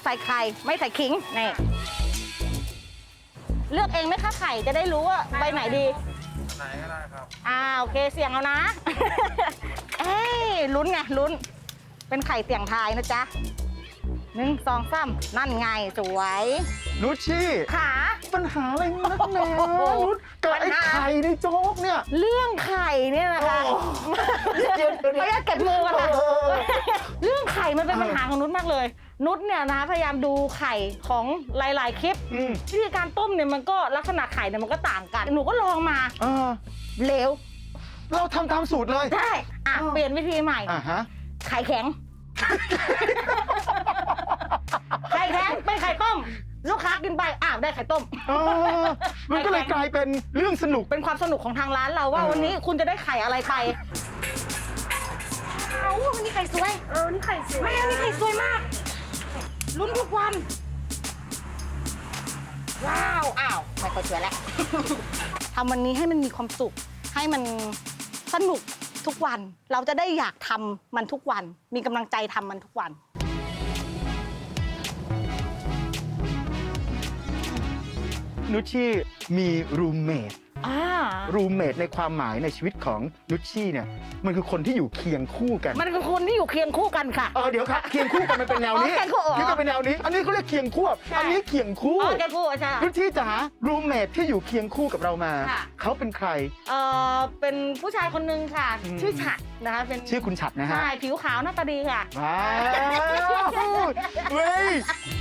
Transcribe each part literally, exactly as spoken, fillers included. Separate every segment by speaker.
Speaker 1: ใส่ไข่ไม่ใส่ขิงนี่เลือกเองไหมคะไข่จะได้รู้ว่าใบไหนดี
Speaker 2: ไหนก็ได้ครับ
Speaker 1: อ่าโอเคเสี่ยงเอานะ เอ้ยลุ้นไงลุ้นเป็นไข่เสี่ยงทายนะจ๊ะหนึ่งสองสามนั่นไงสวย
Speaker 3: นุชชี่
Speaker 1: ขา
Speaker 3: ปัญหาอะไรนักหนานุชกับไอ้ไข่ในโจ๊กเนี่ย
Speaker 1: เรื่องไข่เนี่ยนะคะไม่ได้เก็บมือกันค่ะเรื่องไข่มันเป็นปัญหาของนุชมากเลยนุชเนี่ยนะพยายามดูไข่ของหลายๆคลิปวิธีการต้มเนี่ยมันก็ลักษณะไข่เนี่ยมันก็ต่างกันหนูก็ลองมาเหลว
Speaker 3: เราทำตามสูตรเลย
Speaker 1: ใช่อ่ะเปลี่ยนวิธีใหม่
Speaker 3: อ่ะฮะ
Speaker 1: ไข่แข็งไข่แข็งเป็นไข่ต้มลูกค้ากินไปอ้าวได้ไข่ต้ม
Speaker 3: มันก็เลยกลายเป็นเรื่องสนุก
Speaker 1: เป็นความสนุกของทางร้านเราว่าวันนี้คุณจะได้ไข่อะไรไปเอาวันนี้ไข่สวยเออนี่ไข่สวยไม่เอานี่ไข่สวยมากลุ้นทุกวันว้าวอ้าวไม่ค่อยสวยแล้วทำวันนี้ให้มันมีความสุขให้มันสนุกทุกวันเราจะได้อยากทำมันทุกวันมีกำลังใจทำมันทุกวัน
Speaker 3: นุชชี่มีรูมเมทรูมเมทในความหมายในชีวิตของนุชชี่เนี่ยมันคือคนที่อยู่เคียงคู่กัน
Speaker 1: มันคือคนที่อยู่เคียงคู่กันค่ะ
Speaker 3: เออเดี๋ยวครับเคียงคู่กันมันเป็นแนวนี้นี่ก็เป็นแนวนี้อันนี้เขาเรียกเคียงคู่อันนี้เคียงคู่
Speaker 1: เคียงคู่ใช่
Speaker 3: นุชชี่จ๋ารูมเมทที่อยู่เคียงคู่กับเรามาเขาเป็นใคร
Speaker 1: เออเป็นผู้ชายคนนึงค่ะชื่อฉัดนะคะเป็น
Speaker 3: ชื่อคุณฉัดนะฮะ
Speaker 1: ใช่ผิวขาวหน้าตาดีค่ะ
Speaker 3: ว้าวเว้ย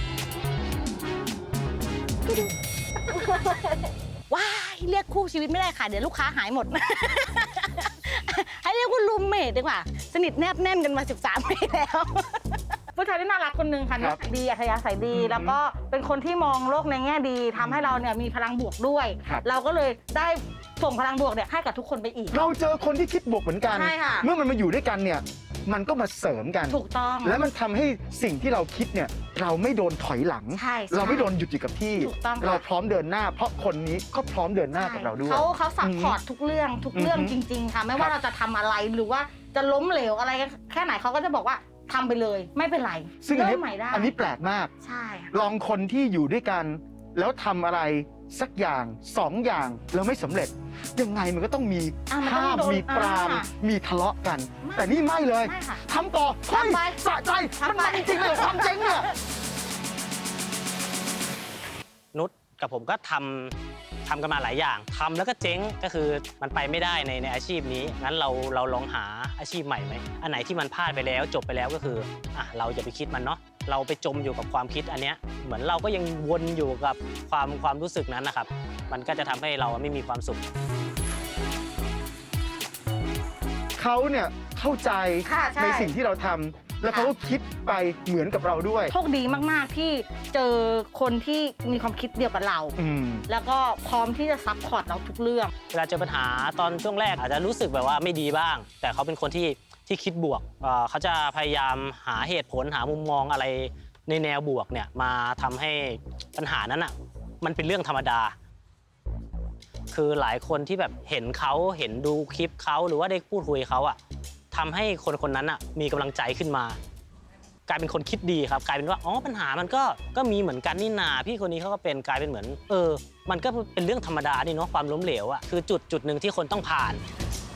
Speaker 1: ว้ายเรียกคู่ชีวิตไม่ได้ค่ะเดี๋ยวลูกค้าหายหมด ให้เรียกว่ารูมเมทดีกว่าสนิทแนบแน่นกันมาสิบสามปีแล้วผู้ชายที่น่ารักคนหนึ่งค่ะนิสัยดีอัธยาศัยดีแล้วก็เป็นคนที่มองโลกในแง่ดีทำให้เราเนี่ยมีพลังบวกด้วยเราก็เลยได้ส่งพลังบวกเนี่ยให้กับทุกคนไปอีก
Speaker 3: เราเจอคนที่คิดบวกเหมือนกันเมื่อมันมาอยู่ด้วยกันเนี่ยมันก็มาเสริมกัน
Speaker 1: ถูกต้อง
Speaker 3: แล้วมันทำให้สิ่งที่เราคิดเนี่ยเราไม่โดนถอยหลังเราไม่โดนหยุดอยู่กับที่เราพร้อมเดินหน้าเพราะคนนี้ก็พร้อมเดินหน้ากับเราด้วย
Speaker 1: เขาเขาซัพพอร์ตทุกเรื่องทุกเรื่องจริงๆค่ะไม่ว่าเราจะทำอะไรหรือว่าจะล้มเหลวอะไรแค่ไหนเขาก็จะบอกว่าทำไปเลยไม่เป็นไร
Speaker 3: ซึ่งอันนี้อันนี้แปลกมาก
Speaker 1: ใช่
Speaker 3: ลองคนที่อยู่ด้วยกันแล้วทำอะไรสักอย่างสองอย่างแล้วไม่สำเร็จยังไงมันก็ต้องมีห้ามมีปรามมีทะเลาะกันแต่นี่ไม่เลยทำต่อเฮ้ยสะใจมันมันจริงเลยความเจ๋งเนี่ย
Speaker 4: นุชกับผมก็ทำทำกันมาหลายอย่างทำแล้วก็เจ๊งก็คือมันไปไม่ได้ในในอาชีพนี้งั้นเราเราลองหาอาชีพใหม่ไหมอันไหนที่มันพลาดไปแล้วจบไปแล้วก็คืออ่ะเราอย่าไปคิดมันเนาะเราไปจมอยู่กับความคิดอันเนี้ยเหมือนเราก็ยังวนอยู่กับความความรู้สึกนั้นนะครับมันก็จะทำให้เราไม่มีความสุข
Speaker 3: เขาเนี่ยเข้าใจในสิ่งที่เราทำแล้วเขาก็คิดไปเหมือนกับเราด้วย
Speaker 1: โชคดีมากๆที่เจอคนที่มีความคิดเดียวกับเราแล้วก็พร้อมที่จะซัพพอร์ตเราทุกเรื่อง
Speaker 4: เวลาเจอปัญหาตอนช่วงแรกอาจจะรู้สึกแบบว่าไม่ดีบ้างแต่เขาเป็นคนที่ที่คิดบวกเขาจะพยายามหาเหตุผลหามุมมองอะไรในแนวบวกเนี่ยมาทำให้ปัญหานั้นอ่ะมันเป็นเรื่องธรรมดาคือหลายคนที่แบบเห็นเขาเห็นดูคลิปเขาหรือว่าได้พูดคุยเขาอ่ะทำให้คนคนนั้นอ่ะมีกำลังใจขึ้นมากลายเป็นคนคิดดีครับกลายเป็นว่าอ๋อปัญหามันก็ก็มีเหมือนกันนี่นาพี่คนนี้เขาก็เป็นกลายเป็นเหมือนเออมันก็เป็นเรื่องธรรมดานี่เนาะความล้มเหลวอ่ะคือจุดจุดหนึ่งที่คนต้องผ่าน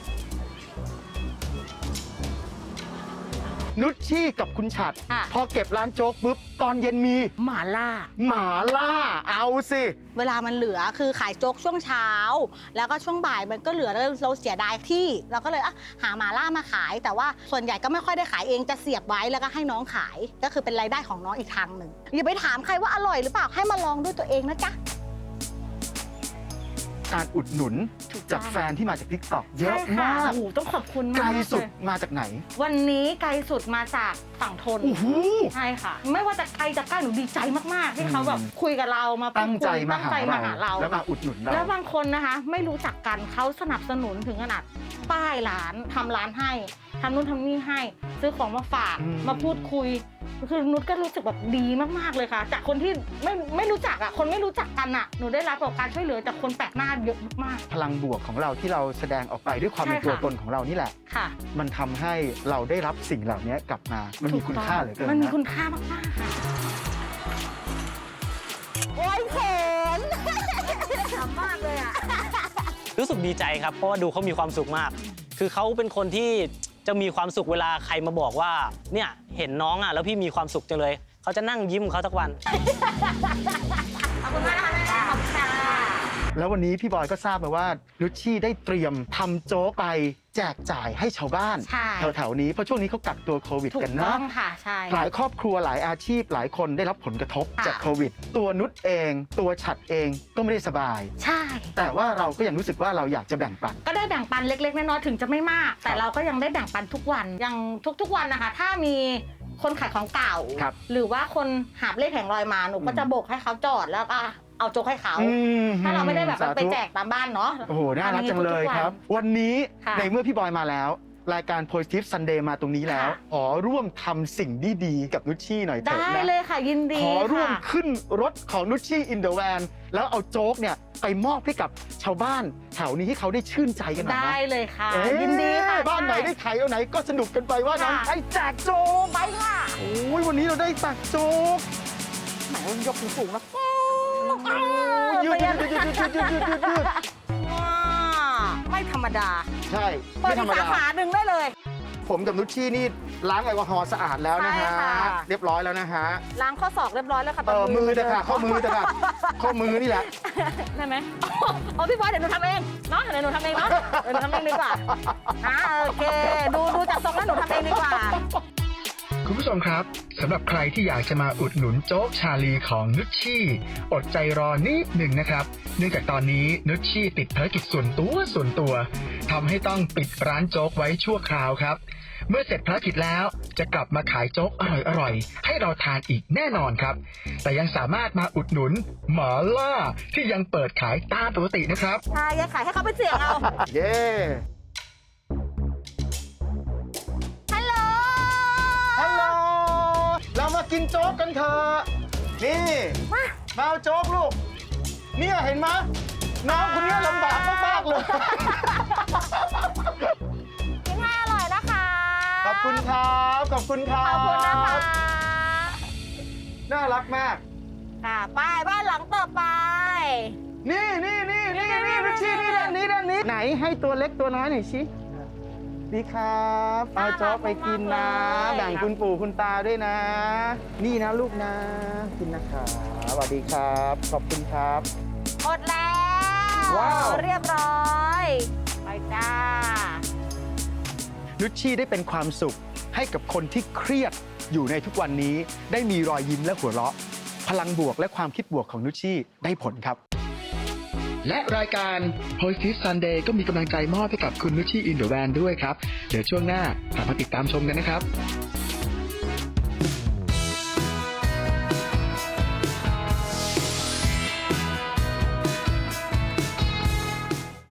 Speaker 3: นุชชี่กับคุณฉัดพอเก็บร้านโจ๊กปุ๊บตอนเย็นมี
Speaker 1: หม่าล่า
Speaker 3: หม่าล่าเอาสิ
Speaker 1: เวลามันเหลือคือขายโจ๊กช่วงเช้าแล้วก็ช่วงบ่ายมันก็เหลือแล้วเราเสียดายที่เราก็เลยอ่ะหาหม่าล่ามาขายแต่ว่าส่วนใหญ่ก็ไม่ค่อยได้ขายเองจะเสียบไว้แล้วก็ให้น้องขายก็คือเป็นรายได้ของน้องอีกทางหนึ่งอย่าไปถามใครว่าอร่อยหรือเปล่าให้มาลองด้วยตัวเองนะจ๊ะ
Speaker 3: การอุดหนุนจากแฟนที่มาจากทิกตอกเยอะมาก
Speaker 1: โอ้ต้องขอบคุณมาก
Speaker 3: ไกลสุดมาจากไหน
Speaker 1: วันนี้ไกลสุดมาจากฝั่งทนใช่ค่ะไม่ว่าจะไกลจะใกล้หนูดีใจมากๆที่เขาแบบคุยกับเรามา
Speaker 3: ตั้งใจมา
Speaker 1: หาเรา
Speaker 3: แล้วมาอุดหนุนเรา
Speaker 1: แล้วบางคนนะคะไม่รู้จักกันเขาสนับสนุนถึงขนาดป้ายร้านทำร้านให้ทำนู่นทำนี่ให้ซื้อของมาฝากมาพูดคุยคือนุชก็รู้สึกแบบดีมากๆเลยค่ะจากคนที่ไม่ไม่รู้จักอ่ะคนไม่รู้จักกันอ่ะหนูได้รับการช่วยเหลือจากคนแปลกหน้าเยอะมาก
Speaker 3: พลังบวกของเราที่เราแสดงออกไปด้วยความเป็นตัวตนของเรานี่แหละมันทำให้เราได้รับสิ่งเหล่านี้กลับมามันมีคุณค่าเหลือเกิน
Speaker 1: มันมีคุณค่ามากๆค่ะำมากเลยอ่ะ
Speaker 4: รู้สึกดีใจครับเพราะว่าดูเขามีความสุขมาก คือเขาเป็นคนที่จะมีความสุขเวลาใครมาบอกว่าเนี่ยเห็นน้องอ่ะแล้วพี่มีความสุขจังเลยเขาจะนั่งยิ้มของเขาทุกวัน
Speaker 1: ขอบคุณมากนะคะแม่ขอบคุณค่ะ
Speaker 3: แล้ววันนี้พี่บอยก็ทราบมาว่านุชชี่ได้เตรียมทำโจ๊กไปแจกจ่ายให้ชาวบ้าน
Speaker 1: ใช่
Speaker 3: แถวๆนี้เพราะช่วงนี้เขากักตัวโควิด
Speaker 1: ถู
Speaker 3: กัน
Speaker 1: กต้
Speaker 3: นะ
Speaker 1: องค่ะใช่
Speaker 3: หลายครอบครัวหลายอาชีพหลายคนได้รับผลกระทบ
Speaker 1: ค่ะ
Speaker 3: จากโควิด ตัวนุชเอง ตัวฉัดเองก็ไม่ได้สบาย
Speaker 1: ใช่
Speaker 3: แต่ว่าเราก็ยังรู้สึกว่าเราอยากจะแบ่งปัน
Speaker 1: ก็ได้แบ่งปันเล็กๆน้อยๆถึงจะไม่มาก แต่เราก็ยังได้แบ่งปันทุกวันยังทุกๆวันนะคะ ถ้ามีคนขายของเก่า
Speaker 3: ครับ
Speaker 1: หรือว่าคนหาบเลขแผงลอยมาหนูก็จะโบกให้เขาจอดแล้วก็เอาโจ๊กให้เขา
Speaker 3: อืม
Speaker 1: ถ้าเราไม่ได้แบบ
Speaker 3: สธุ
Speaker 1: ไปแจกตามบ้านเนาะ
Speaker 3: โอ้โห น่ารักจังเลยครับ วันนี้
Speaker 1: ค่ะ
Speaker 3: ในเมื่อพี่บอยมาแล้ว รายการ Positive Sunday มาตรงนี้แล้ว
Speaker 1: ค่ะ
Speaker 3: ขอร่วมทำสิ่งดีๆกับนุชชี่หน่อยเถอะ
Speaker 1: ได้
Speaker 3: นะ
Speaker 1: เลยค่ะยินดี
Speaker 3: ขอร่วม
Speaker 1: ค่ะ
Speaker 3: ขึ้นรถของนุชชี่อินเดอะแวนแล้วเอาโจ๊กเนี่ยไปมอบให้กับชาวบ้านแถวนี้ให้เขาได้ชื่นใจกันหน่อยนะ
Speaker 1: ได้เลยค่ะ
Speaker 3: เอ๊ะ
Speaker 1: ยินดีค่ะ
Speaker 3: บ้านไหนได้ขายเอาไหนก็สนุกกันไปว่านั้น
Speaker 1: ค่ะ
Speaker 3: ไอ้แจกโจ๊ก
Speaker 1: ไปค่ะ
Speaker 3: โอ้ยวันนี้เราได้ตักโจ๊ก
Speaker 1: หมายยกสูงๆนะ
Speaker 3: ยืดยืดยืดยืดยืดยืดยืดยืดยืด
Speaker 1: ว้าไม่ธรรมดา
Speaker 3: ใช่
Speaker 1: เปิ
Speaker 3: ไม่
Speaker 1: ด
Speaker 3: ธร
Speaker 1: อี
Speaker 3: ร
Speaker 1: ก
Speaker 3: ม
Speaker 1: สา
Speaker 3: ดา
Speaker 1: ขาหนึ่งได้เลย
Speaker 3: ผมกับนุชชี่นี่ล้างแอลกอฮอล์สะอาดแล้วนะฮะ
Speaker 1: ใช่ค่ะ
Speaker 3: เรียบร้อยแล้วนะฮะ
Speaker 1: ล้างข้อศอกเรียบร้อยแล้วค่ะต
Speaker 3: เอ
Speaker 1: อน
Speaker 3: อมือเถอะค่ะข้อมือเถอะค่ะข้อมือนี่แหละ
Speaker 1: ได้ไหมเอาพี่บอยเดี๋ยวหนูทำเองเนาะเดี๋ยวหนูทำเองเนาะเดี๋ยวหนูทำเองดีกว่าอ่าโอเค ดูดูจากทรงแล้วหนูทำเองดีกว่า
Speaker 2: คุณผู้ชมครับสำหรับใครที่อยากจะมาอุดหนุนโจ๊กชาลีของนุชชี่อดใจรอนิดหนึ่งนะครับเนื่องจากตอนนี้นุชชี่ติดภารกิจส่วนตัวส่วนตัวทำให้ต้องปิดร้านโจ๊กไว้ชั่วคราวครับ เมื่อเสร็จภารกิจแล้วจะกลับมาขายโจ๊กอร่อยๆให้เราทานอีกแน่นอนครับ แต่ยังสามารถมาอุดหนุนหมาล่าที่ยังเปิดขายตามปกตินะครับ
Speaker 1: ใช่ยังขายให้เขาไปเสี่ยงเอา
Speaker 3: เย้
Speaker 1: ฮัลโหล
Speaker 3: ฮัลโหลเรามากินโจ๊กกันเถอะนี่มาเอาโจ๊กลูกเนี่ยเห็นไหมน้องคนนี้ลำบากมากๆเลย
Speaker 1: กินให้อร่อยนะคะ
Speaker 3: ขอบคุณครับขอบคุณครั
Speaker 1: ข
Speaker 3: บ
Speaker 1: อบคุณนะคะ
Speaker 3: น่ารักมาก
Speaker 1: ค่ะไปบ้านหลังต่อไป
Speaker 3: นี่นี่นี่นี่นี่นุชชี่นี่ด้านนี้ด้านนี้ไหนให้ตัวเล็กตัวน้อยหน่อยสิดีครับเอาโจ๊กไปกินนะแบ่งคุณปู่คุณตาด้วยนะ นี่นะลูกนะกินนะครับสวัสดีครับ ขอบคุณครับ
Speaker 1: หมดแล้ว
Speaker 3: ว้าว
Speaker 1: เรียบร้อย ไปจ้า
Speaker 3: นุชชี่ได้เป็นความสุขให้กับคนที่เครียดอยู่ในทุกวันนี้ ได้มีรอยยิ้มและหัวเราะ พลังบวกและความคิดบวกของนุชชี่ได้ผลครับ
Speaker 2: และรายการ Positive Sunday ก็มีกำลังใจมอบให้กับคุณนุชชี่อินเดอะแวนด้วยครับ เดี๋ยวช่วงหน้ากลับมาติดตามชมกันนะครับ